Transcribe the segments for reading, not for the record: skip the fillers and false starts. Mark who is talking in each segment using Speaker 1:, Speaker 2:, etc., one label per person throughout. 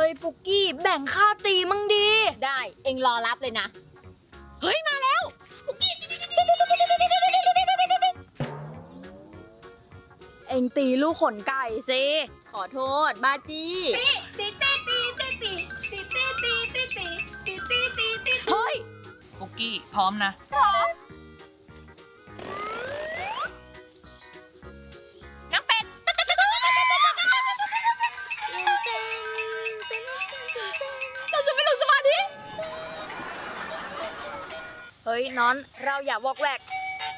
Speaker 1: ยปุกกี้แบ่งค่าตีมั่งดี
Speaker 2: ได้เองรอรับเลยนะเฮ้ยมาแล้วปุกกี้
Speaker 1: เอ็งตีลูกขนไก่สิ
Speaker 2: ขอโทษบาจี้
Speaker 1: เฮ้ย
Speaker 3: ปุกกี้พร้อมนะ
Speaker 2: น้ำเป็ด
Speaker 1: เราจะไม่หลุดสมาธิเฮ้ยน้อนเราอย่าวอกแวก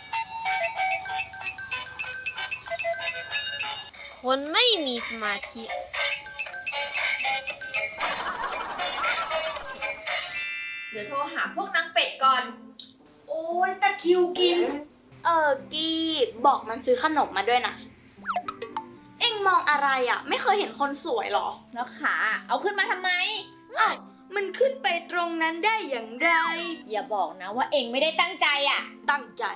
Speaker 2: คนไม่มีสมาธิเดี๋ยวโทรหาพวกนางเป็ดก่อน
Speaker 1: โอ้ยตะคิวกินกี้บอกมันซื้อขนมมาด้วยนะเอ็งมองอะไรอ่ะไม่เคยเห็นคนสวยหรอ
Speaker 2: แล้วขาเอาขึ้นมาทำไม
Speaker 1: อ้าวมันขึ้นไปตรงนั้นได้อย่างไร
Speaker 2: อย่าบอกนะว่าเองไม่ได้ตั้งใจอ่ะ
Speaker 1: ตั้งใจ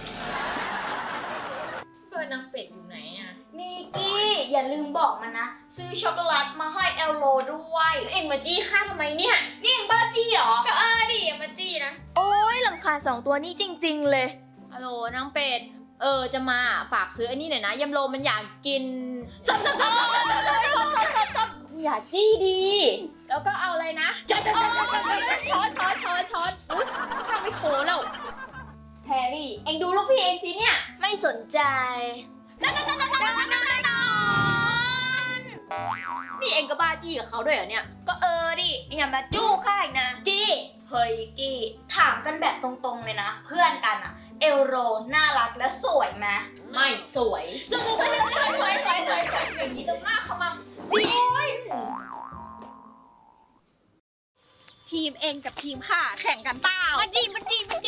Speaker 2: เฟิร์นนางเป็ดอยู่ไหนอ่ะ
Speaker 1: นี่กี้อย่าลืมบอกมันนะซื้อช็อกโกแลตมาให้เอลโลด้วย
Speaker 2: เองมาจี้ข้าทำไมเนี่ย
Speaker 1: นี่เอ็งบ้าจี้เหรอ
Speaker 2: ก็ดิอย่ามาจี้นะ
Speaker 1: โอ้ยรำคาญสองตัวนี้จริงๆเลย
Speaker 2: ฮัลโหลนางเป็ดจะมาฝากซื้ออันนี้หน่อยนะยำโรมันอยากกิน
Speaker 1: ซับ
Speaker 2: อย่าจี้ดีแล้วก็เอาอะไรนะช้อนทำไม่โผล่แล้วแพรรี่เอ็งดูลูกพี่เองสิเนี่ย
Speaker 1: ไม่สนใจ
Speaker 2: นี่เอ็งก็บ้าจี้กับเขาด้วยเหรอเนี่ย
Speaker 1: ก็ดิอย่ามาจู้ข้าอีกนะ
Speaker 2: จี้
Speaker 1: เฮ้ยกี้ถามกันแบบตรงๆเลยนะเพื่อนกันอะเอลโรน่ารักและสวยไหม
Speaker 2: ไม่สวยอย่างนี้ตรงหน้าเขามาทีมเองกับทีมข้าแข่งกันเปล่ามาดีไม่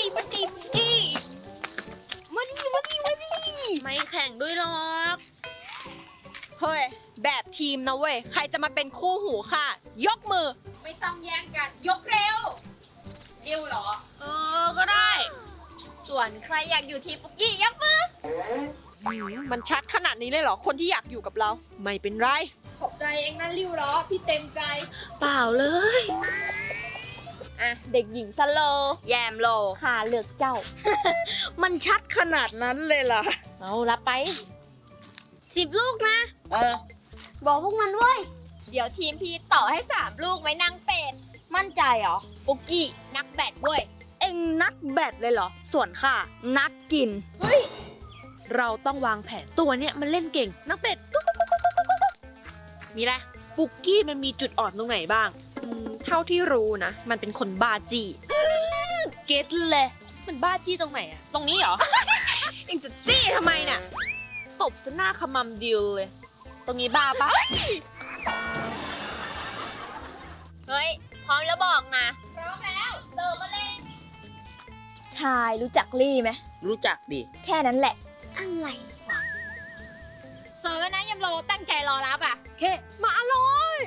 Speaker 2: แข่งด้วยหรอกเฮ้ยแบบทีมนะเว้ยใครจะมาเป็นคู่หูข้ายกมือไม่ต้องแย่งกันยกเร็วเหรอก็ได้ส่วนใครอยากอยู่ทีมปุกกี้ยกมือมันชัดขนาดนี้เลยเหรอคนที่อยากอยู่กับเราไม่เป็นไรขอบใจเองนะริ้วเหรอพี่เต็มใจ
Speaker 1: เปล่าเลย
Speaker 2: อ่ะเด็กหญิงสโล
Speaker 1: แยมโล
Speaker 2: หาเลือกเจ้า
Speaker 1: มันชัดขนาดนั้นเลยเหรอ
Speaker 2: เอารับไป10 ลูกนะ
Speaker 1: บอกพวกมันเว้ย
Speaker 2: เดี๋ยวทีมพี่ต่อให้3 ลูกไว้นางเป็ด
Speaker 1: มั่นใจเหรอ
Speaker 2: ปุกกี้นักแบดเว้ย
Speaker 1: เอ็งนักแบดเลยเหรอส่วนข้านักกิน
Speaker 2: เฮ้ย
Speaker 3: เราต้องวางแผนตัวเนี้ยมันเล่นเก่งนักเป็ดมีอะไรปุกกี้มันมีจุดอ่อนตรงไหนบ้างเท่าที่รู้นะมันเป็นคนบ้าจี้เก็ตเลยมันบ้าจี้ตรงไหนอะตรงนี้เหรอ เอ็งจะจี้ทำไมน่ะตบซะหน้าขมำดิวเลยตรงนี้บ้าปะ
Speaker 2: เฮ้ยพร้อมแล้วบอกนะพร้อมแล้วเติมมาเลย
Speaker 1: ชายรู้จักลี่ไหม
Speaker 4: รู้จักดิ
Speaker 1: แค่นั้นแหละอะไรวะ
Speaker 2: เสิร์ฟแล้วนะยำโรตั้งใจรอรับอ่ะ
Speaker 1: เคมาอร่อย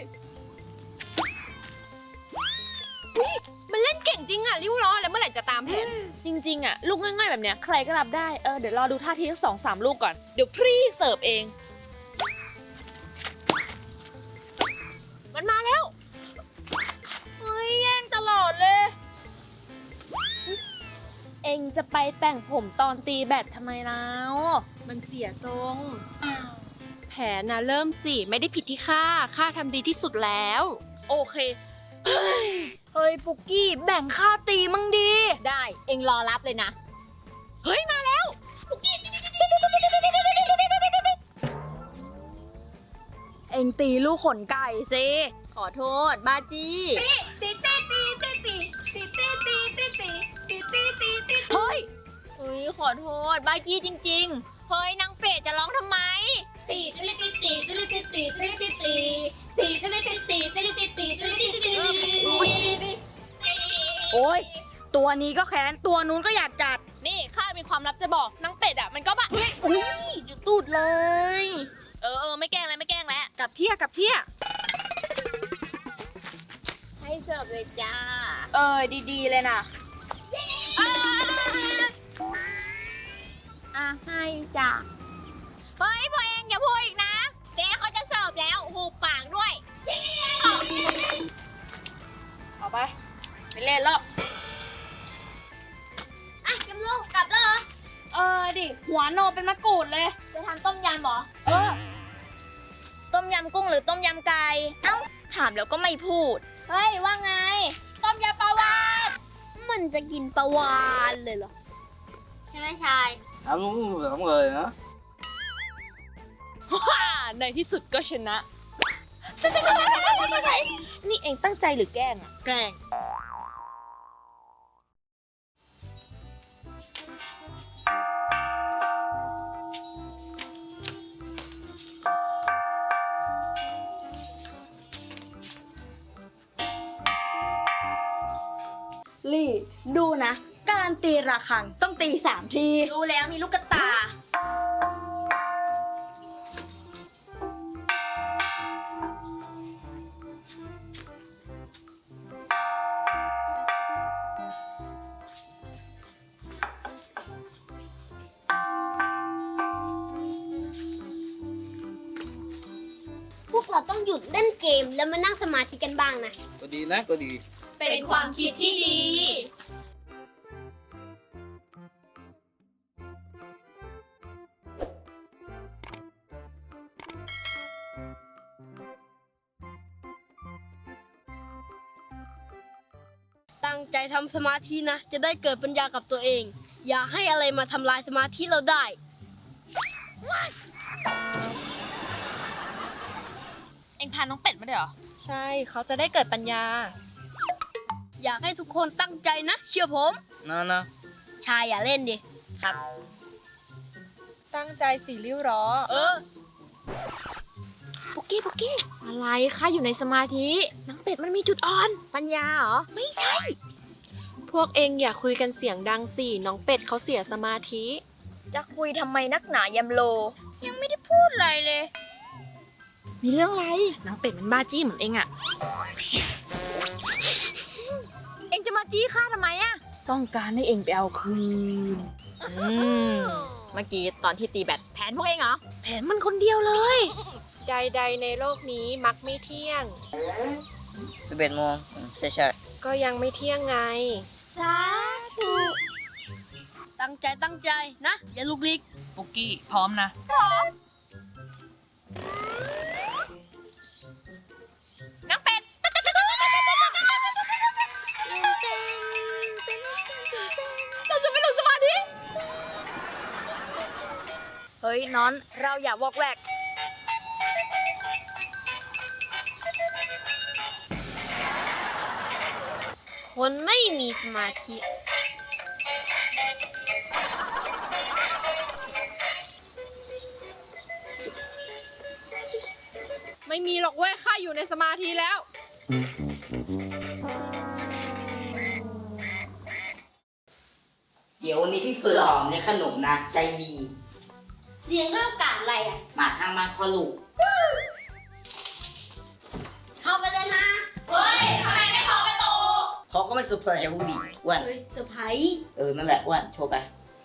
Speaker 1: มันเล่นเก่งจริงอ่ะริ้วล้อแล้วเมื่อไหร่จะตามแผน
Speaker 3: จริงๆอะลูกง่ายๆแบบเนี้ยใครก็รับได้เดี๋ยวรอดูท่าทีทั้ง2-3 ลูกก่อนเดี๋ยวพรี่เสิร์ฟเองมันมาแล้ว
Speaker 1: เฮ้ยแย่งตลอดเลย
Speaker 3: เอ็งจะไปแต่งผมตอนตีแบดทำไมแล้ว
Speaker 1: มันเสียทรง
Speaker 3: แผนนะเริ่มสิไม่ได้ผิดที่ข้าทำดีที่สุดแล้วโอเค
Speaker 1: เฮ้ยปุกกี้แบ่งค่าตีมั่งดี
Speaker 2: ได้เอ็งรอรับเลยนะเฮ้ยมาแล้วปุกกี้
Speaker 1: เอ็งตีลูกขนไก่สิ
Speaker 2: ขอโทษบาจี้
Speaker 1: เฮ้ย
Speaker 2: ขอโทษบาจี้จริงๆเฮ้ยนางเป็ดจะร้องทำไม
Speaker 1: โอ้ยตัวนี้ก็แค้นตัวนู้นก็อยากจัด
Speaker 3: นี่ข้ามีความลับจะบอกนางเป็ดมันก็แบบ
Speaker 1: อุ้ยเดี๋ยวตูดเลย
Speaker 3: ไม่แกล้งแล้ว
Speaker 1: กลับเที่ย
Speaker 2: ให้เสิร์ฟเลยจ้า
Speaker 1: ดีๆเลยนะ
Speaker 2: ให้จ้าเฮ้ยพวกเองอย่าพูดอีกนะเจ๊เขาจะเสิร์ฟแล้วหูปากด้วย
Speaker 1: ไม่เล่นแล้ว
Speaker 2: อ่ะยำโลกลับแล้วเหรอ
Speaker 1: ดิ หัวโนเป็นมะกรูดเลย
Speaker 2: จะทำต้มยำเหรอ
Speaker 1: ต้มยำกุ้งหรือต้มยำไก่ เอ้า ถามแล้วก็ไม่พูด
Speaker 2: เฮ้ย ว่าไง
Speaker 1: ต้มยำปลาวาน
Speaker 2: มันจะกินปลาวานเลยเหรอ ใช่ไหมชาย
Speaker 4: Anh muốn làm người nữa.
Speaker 3: ฮ่าในที่สุดก็ชนะ นี่เองตั้งใจหรือแกล้งอะแกล้ง
Speaker 1: ลี่ ดูนะ การตีระฆังต้องตี3 ที
Speaker 2: รู้แล้วมีลูกกระตา พวกเราต้องหยุดเล่นเกมแล้วมานั่งสมาธิกันบ้างนะ
Speaker 4: Có đi nát, có đi.
Speaker 3: เป็นความคิดที่ดี
Speaker 2: ตั้งใจทำสมาธินะ จะได้เกิดปัญญากับตัวเอง อย่าให้อะไรมาทำลายสมาธิเราได้
Speaker 3: เองพาน้องเป็ดมาด้วยเหรอ ใช่ เขาจะได้เกิดปัญญา
Speaker 2: อยากให้ทุกคนตั้งใจนะ เชื่อผม
Speaker 4: Nè, nè.
Speaker 2: ชายอย่าเล่นดิ
Speaker 3: ตั้งใจสิริ้วหรอ ปุกกี้ อะไรคะอยู่ในสมาธิน้องเป็ดมันมีจุดอ่อน ปัญญาเหรอ ไม่ใช่ พวกเองอย่าคุยกันเสียงดังสิ น้องเป็ดเขาเสียสมาธิ
Speaker 1: จะคุยทำไมนักหนายำโล ยังไม่ได้พูดอะไรเลย
Speaker 3: มีเรื่องอะไร น้องเป็ดมันบ้าจี้เหมือนเองอะ เองจะมาจี้ข้าทำไมอะต้องการให้เองไปเอาคืน เมื่อกี้ตอนที่ตีแบตแผนพวกเองเหรอ แผนมันคนเดียวเลย ใดๆในโลกนี้มักไม่เที่ยง
Speaker 4: 11 โมงใช่
Speaker 3: ก็ยังไม่เที่ยงไง
Speaker 1: สาธุ
Speaker 2: ตั้งใจนะ อย่าลุกลิก
Speaker 3: ปุกกี้พร้อมนะ น้องเป็ด
Speaker 1: เราจะไม่หลุดสมาธิ เฮ้ยน้อนเราอย่าวอกแวก
Speaker 2: คนไม่มีสมาธิ
Speaker 3: ไม่มีหรอกเว้ยข้าอยู่ในสมาธิแล้ว
Speaker 4: ๆ เดี๋ยววันนี้พี่เปื่อหอมในขนมนะใจดี
Speaker 2: เรียนเรื่องการอะไรอ่ะ
Speaker 4: หมาข้างบ้านคอลูก
Speaker 2: เข้าไปเลยนะ เฮ้ยทำไมไม่เข้าประตู
Speaker 4: เขาก็ไม่เซอร์ไพรส์ให้ผู้ดีอ้วน
Speaker 2: เฮ้ยเซอร์ไพรส์
Speaker 4: นั่นแหละอ้วนโชว์ไป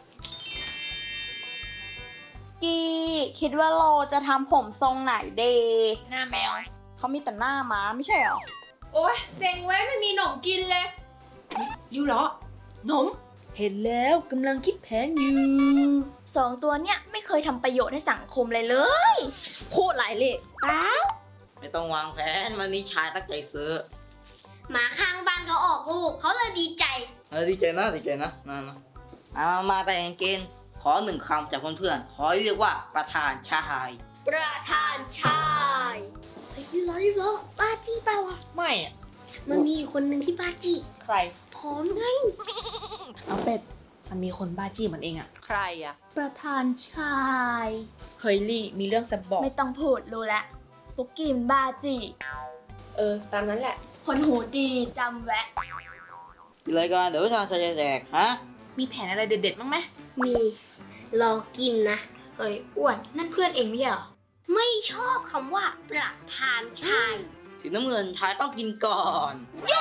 Speaker 1: กี้คิดว่าเราจะทำผมทรงไหนเด
Speaker 3: หน้าแมว
Speaker 1: เขามีแต่หน้าม้าไม่ใช่เหรอ
Speaker 3: โอ๊ยเซ็งไว้ไม่มีหนมกินเลยริ้วเหรอหนม เห็นแล้วกำลังคิดแผนอยู่
Speaker 1: 2 ตัวเนี่ยไม่เคยทำประโยชน์ให้สังคมเลยเลย พูดหลายเลยเปล่า
Speaker 4: ไม่ต้องวางแผนวันนี้ชายตั้งใจซื้อ
Speaker 2: หมาข้างบ้านเขาออกลูก เขาเลยดีใจ
Speaker 4: ดีใจนะนะมาไปเกณฑ์ขอ1 คำจากเพื่อนๆขอเรียกว่าประธานชาย
Speaker 2: ประธานชายเฮ้ยรีบร้อยบ้าจี้เปล่าอ่ะ
Speaker 3: ไม่อะ
Speaker 2: มันมีอยู่คนหนึ่งที่บ้าจี้
Speaker 3: ใคร
Speaker 2: พร้อมไง
Speaker 3: น้องเป็ด มันมีคนบ้าจี้เหมือนเองอะใครอะ
Speaker 2: ประธานชาย
Speaker 3: เฮ้ยลี่มีเรื่องจะบอก
Speaker 1: ไม่ต้องพูดรู้แล้วปุกกี้มันบ้าจี
Speaker 3: ตามนั้นแหละ
Speaker 1: คนหูดีจำแวะ
Speaker 4: รายการเดี๋ยวประธานชายจะแจกฮะ
Speaker 3: มีแผนอะไรเด็ดๆบ้างไหม
Speaker 2: มีรอกินนะ
Speaker 1: เอ้ยอ้วนนั่นเพื่อนเองไม่ใช่เหรอ
Speaker 2: ไม่ชอบคำว่าประธานชาย
Speaker 4: สีน้ำเงินชายต้องกินก่อน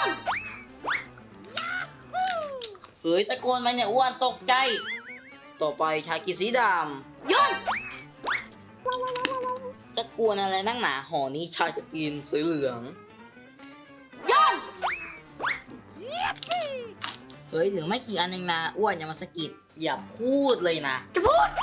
Speaker 4: เฮ้ยตะโกนไปเนี่ยอ้วนตกใจ ต่อไปชายกินสีดำ
Speaker 2: ย่น
Speaker 4: จะกวนอะไรนักหนาห่อนี้ชายจะกินสีเหลือง
Speaker 2: ย่น
Speaker 4: เฮ้ยเหลือไม่กี่อันเองนะอ้วนอย่ามาสะกิดอย่าพูดเลยนะ
Speaker 1: จะพูด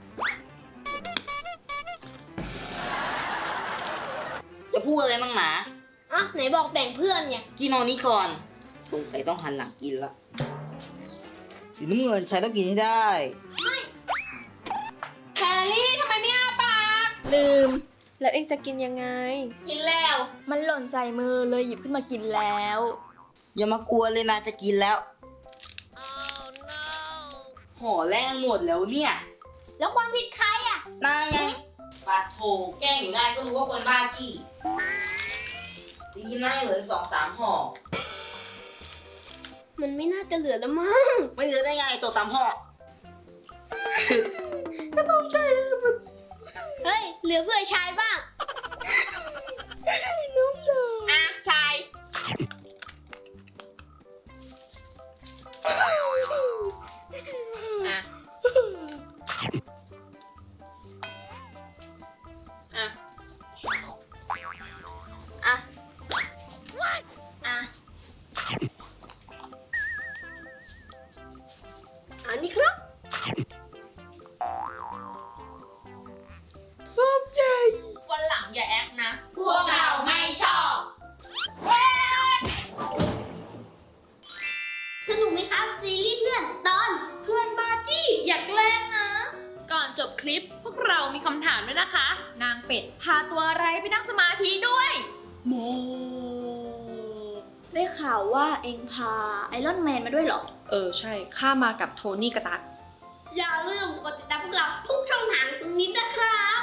Speaker 4: จะพูดอะไรมั่งหนา
Speaker 2: อ่ะไหนบอกแบ่งเพื่อนไง
Speaker 4: กินเอานี้ก่อนสงสัยต้องหันหลังกินละสีน้ำเงินใช้ต้องกินให้ได้
Speaker 2: แพรรี่ทำไมไม่อ้าปาก
Speaker 3: ลืม แล้วเองจะกินยังไง
Speaker 2: กินแล้ว
Speaker 1: มันหล่นใส่มือเลยหยิบขึ้นมากินแล้ว
Speaker 4: อย่ามากลัวเลยนะจะกินแล้วห่อแรกหมดแล้วเนี่ย
Speaker 2: แล้วความผิดใครอ่ะ
Speaker 4: นายไงปัดโถแกล้งอยู่ได้ก็รู้ว่าคนบ้าจี้ดีน่าเหลือ2-3ห่อ
Speaker 2: มันไม่น่าจะเหลือแล้วมั้ง
Speaker 4: ไม่เหลือได้ไง2-3ห่อ
Speaker 2: เฮ้ย เหลือเพื่อชายบ้าง
Speaker 3: อ่ะ ชาย อ่ะ อ่ะ
Speaker 1: อ่ะ อ่ะ
Speaker 2: อันนี้ครับ
Speaker 3: วันหลังอย่าแอคนะ
Speaker 2: พวกเราไม่ชอบ สนุกไหมครับ ซีรีส์เพื่อนตอน
Speaker 1: เพื่อนบ้าจี้อยากเล่นนะ
Speaker 3: ก่อนจบคลิปพวกเรามีคำถามด้วยนะคะ นางเป็ดพาตัวอะไรไปนั่งสมาธิด้วย
Speaker 4: โม
Speaker 1: ได้ข่าวว่าเองพาไอรอนแมนมาด้วยเหรอ
Speaker 3: ใช่ ข้ามากับโทนี่กระตัด
Speaker 2: อย่าลืมกดติดตามพวกเราทุกช่องทางตรงนี้นะครับ